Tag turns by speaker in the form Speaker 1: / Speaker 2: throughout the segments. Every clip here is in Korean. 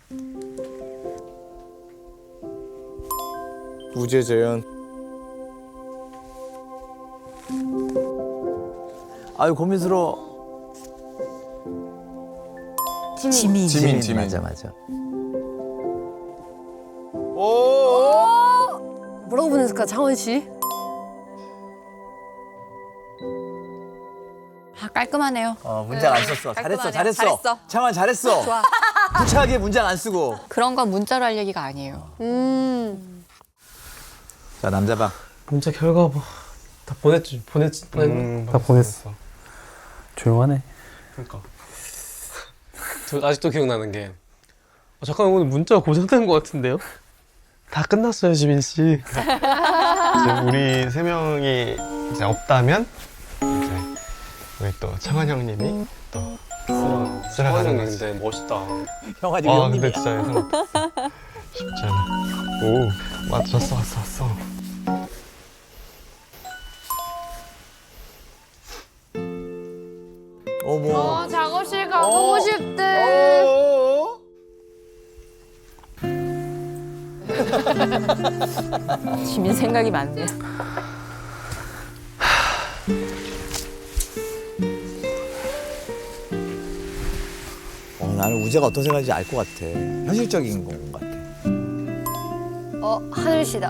Speaker 1: 우재재현. 아유 고민스러워. 지민. 맞아.
Speaker 2: 뭐라고 보냈을까, 장원 씨?
Speaker 3: 아, 깔끔하네요.
Speaker 1: 문장 안 썼어.
Speaker 3: 깔끔하네.
Speaker 1: 잘했어. 창환 잘했어.
Speaker 3: 좋아.
Speaker 1: 구차하게 문장 안 쓰고.
Speaker 3: 그런 건 문자로 할 얘기가 아니에요.
Speaker 1: 자 남자방.
Speaker 4: 문자 결과 뭐 다 보냈지. 다 보냈어. 조용하네.
Speaker 5: 그러니까. 저 아직도 기억나는 게 잠깐 오늘 문자가 고장난 것 같은데요? 다 끝났어요, 지민 씨.
Speaker 6: 이제 우리 세 명이 이제 없다면 이제 우리 또 창환 형님이 또 쓸어가는 거지.
Speaker 5: 근데 멋있다.
Speaker 1: 형 아직
Speaker 6: 아
Speaker 1: 형님이야.
Speaker 6: 근데 진짜 예상 쉽지 않아. 오 왔어.
Speaker 1: 어머.
Speaker 2: 작업실 가보고 싶대.
Speaker 3: 지민 생각이 많네.
Speaker 1: 나는 우재가 어떤 생각인지 알 것 같아. 현실적인 건 같아.
Speaker 2: 하늘씨다.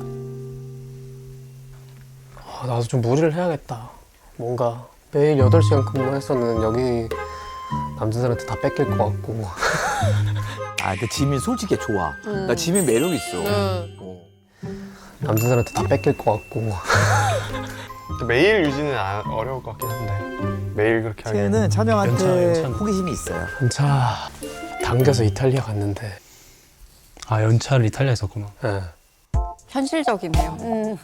Speaker 4: 나도 좀 무리를 해야겠다. 뭔가 매일 8시간 근무했었는 여기 남자들한테 다 뺏길 것 같고.
Speaker 1: 근데 지민 솔직히 좋아. 나 지민 매력 있어.
Speaker 4: 남자들한테 다 뺏길 것 같고.
Speaker 6: 매일 유지는 어려울 것 같긴 한데 매일 그렇게 하기에는
Speaker 1: 쟤는 찬영한테
Speaker 4: 괜찮아.
Speaker 1: 호기심이 있어요.
Speaker 4: 연차 당겨서 이탈리아 갔는데.
Speaker 7: 아 연차를 이탈리아에 썼구나.
Speaker 4: 예.
Speaker 3: 현실적이네요.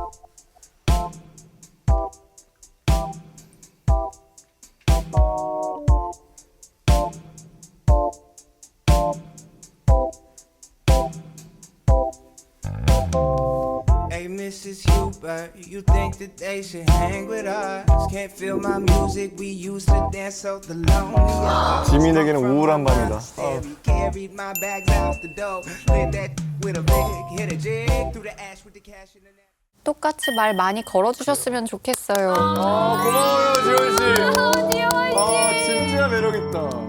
Speaker 8: Hey, Mrs. Hubert, you think that they should hang with us? Can't feel my music, we used to dance so the lonely.
Speaker 6: 지민에게는 우울한 밤이다.
Speaker 8: Carried my bags out the door, lit that with a big hit a jig through the ash with the cash in the net.
Speaker 3: 똑같이 말 많이 걸어주셨으면 좋겠어요.
Speaker 6: 고마워요 지원 씨. 진짜 매력 있다.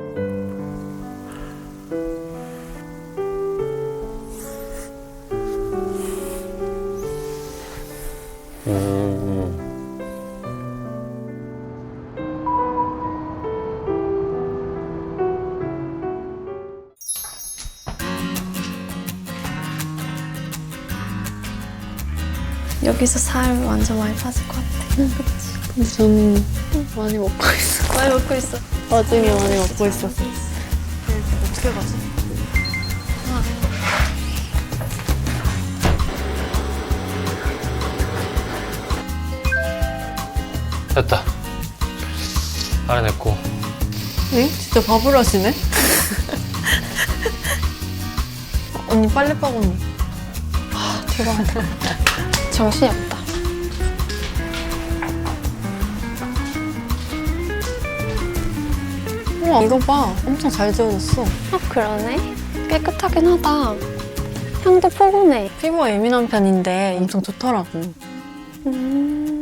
Speaker 2: 여기서 살 완전 많이 빠질 것 같아. 그치? 근데 저는 많이 먹고 있어. 많이 먹고 있어. 나중에 많이 먹고 있어. 어떻게 가지?
Speaker 5: 됐다. 알아냈고.
Speaker 2: 응? 진짜 밥을 하시네? 언니 빨래방 언니. 대박이다. 정신이 없다. 우와, 이거 봐. 엄청 잘 지워졌어.
Speaker 9: 그러네. 깨끗하긴 하다. 향도 포근해.
Speaker 2: 피부가 예민한 편인데 엄청 좋더라고.